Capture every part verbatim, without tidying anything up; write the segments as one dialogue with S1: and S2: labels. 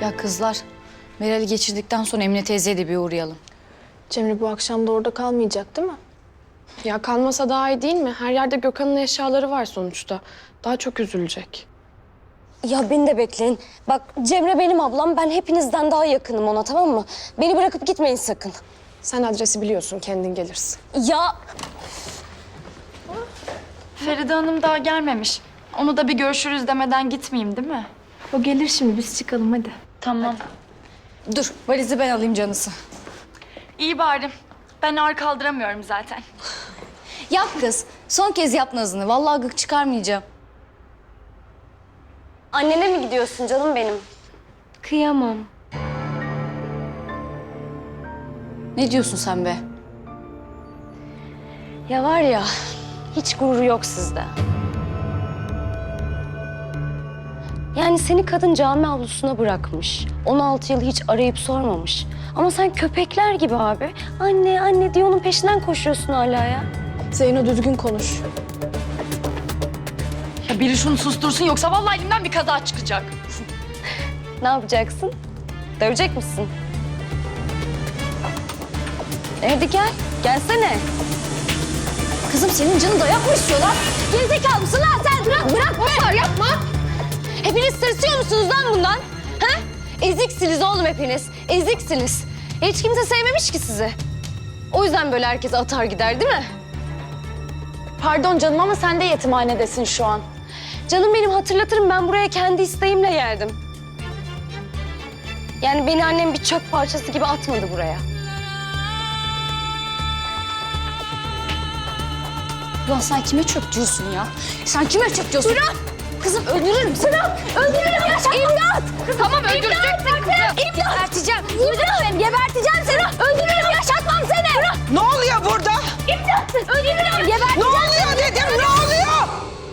S1: Ya kızlar, Meral'i geçirdikten sonra Emine teyzeye de bir uğrayalım.
S2: Cemre bu akşam da orada kalmayacak değil mi? Ya kalmasa daha iyi değil mi? Her yerde Gökhan'ın eşyaları var sonuçta. Daha çok üzülecek.
S3: Ya beni de bekleyin. Bak Cemre benim ablam. Ben hepinizden daha yakınım ona, tamam mı? Beni bırakıp gitmeyin sakın.
S2: Sen adresi biliyorsun, kendin gelirsin.
S3: Ya
S4: Feride Hanım daha gelmemiş. Onu da bir görüşürüz demeden gitmeyeyim değil mi?
S2: O gelir şimdi, biz çıkalım hadi.
S4: Tamam.
S1: Dur, valizi ben alayım canısı.
S4: İyi bari. Ben ağır kaldıramıyorum zaten.
S1: Yap kız, son kez yap nazını. Vallahi gık çıkarmayacağım.
S3: annene mi gidiyorsun canım benim?
S2: Kıyamam.
S1: Ne diyorsun sen be?
S3: Ya var ya, hiç gururu yok sizde. Yani seni kadın cami avlusuna bırakmış. on altı yıl hiç arayıp sormamış. Ama sen köpekler gibi abi. Anne, anne diye onun peşinden koşuyorsun hala ya.
S2: Zeyno düzgün konuş.
S4: Ya biri şunu sustursun yoksa vallahi elimden bir kaza çıkacak.
S3: Ne yapacaksın? Dövecek misin? E hadi gel, gelsene.
S1: Kızım senin canın dayak mı istiyor lan?
S3: Gerizekalı mısın lan sen? Bırak, bırak be! Yapma! Hepiniz tırsıyor musunuz lan bundan? Ha? Eziksiniz oğlum hepiniz. Eziksiniz. Hiç kimse sevmemiş ki sizi. O yüzden böyle herkes atar gider değil mi?
S4: Pardon canım ama sen de yetimhanedesin şu an.
S3: Canım benim, hatırlatırım, ben buraya kendi isteğimle geldim. Yani beni annem bir çöp parçası gibi atmadı buraya.
S1: Ulan sen kime çöp diyorsun ya? Sen kime çöp diyorsun? Bırak! Kızım öldürürüm seni.
S3: Bırak! Öldürürüm ya! İmdat!
S4: Tamam öldüreceksin kızı.
S3: İmdat! Geberteceğim. Öldürürüm. Geberteceğim seni. Öldürürüm. Yaşatmam seni. Bırak!
S5: Ne oluyor burada?
S3: İmdat! Öldürürüm. Geberteceğim.
S5: Ne oluyor dedim, ne oluyor?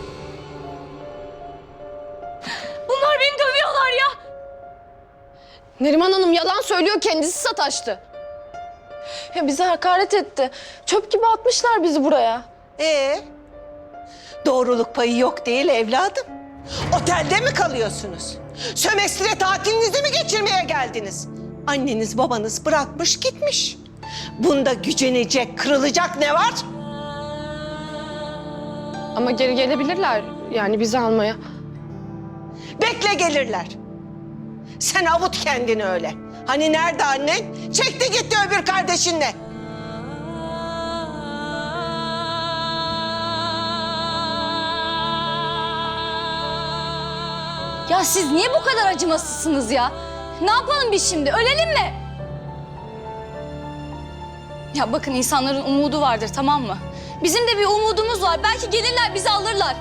S3: Bunlar beni dövüyorlar ya.
S2: Neriman Hanım yalan söylüyor, kendisi sataştı. Ya bize hakaret etti. Çöp gibi atmışlar bizi buraya.
S5: Ee, doğruluk payı yok değil evladım. Otelde mi kalıyorsunuz? Sömestre tatilinizi mi geçirmeye geldiniz? Anneniz babanız bırakmış gitmiş. Bunda gücenecek, kırılacak ne var?
S2: Ama geri gelebilirler yani bizi almaya.
S5: Bekle gelirler. Sen avut kendini öyle. Hani nerede annen? Çekti gitti öbür kardeşinle.
S1: Ya siz niye bu kadar acımasızsınız ya? Ne yapalım biz şimdi? Ölelim mi? Ya bakın, insanların umudu vardır, tamam mı? Bizim de bir umudumuz var. Belki gelirler, bizi alırlar.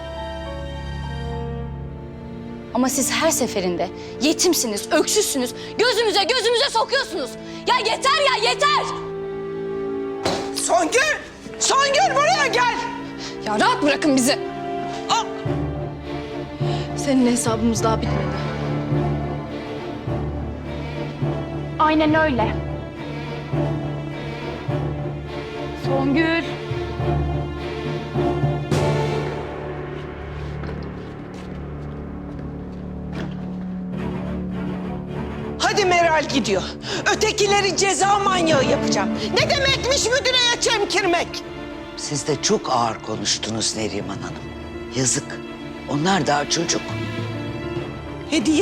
S1: Ama siz her seferinde yetimsiniz, öksüzsünüz. Gözümüze gözümüze sokuyorsunuz. Ya yeter ya, yeter!
S5: Songül! Songül buraya gel!
S2: Ya rahat bırakın bizi.
S5: Aa!
S2: Senin hesabımız daha bitmedi.
S4: Aynen öyle. Songül.
S5: Hadi Meral gidiyor. Ötekileri ceza manyağı yapacağım. Ne demekmiş müdüreye çemkirmek?
S6: Siz de çok ağır konuştunuz Neriman Hanım. Yazık. Onlar daha çocuk.
S5: Hediye?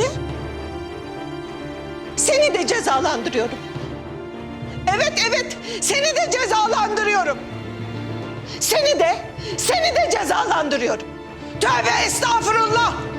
S5: Seni de cezalandırıyorum. Evet evet, seni de cezalandırıyorum. Seni de, seni de cezalandırıyorum. Tövbe estağfurullah.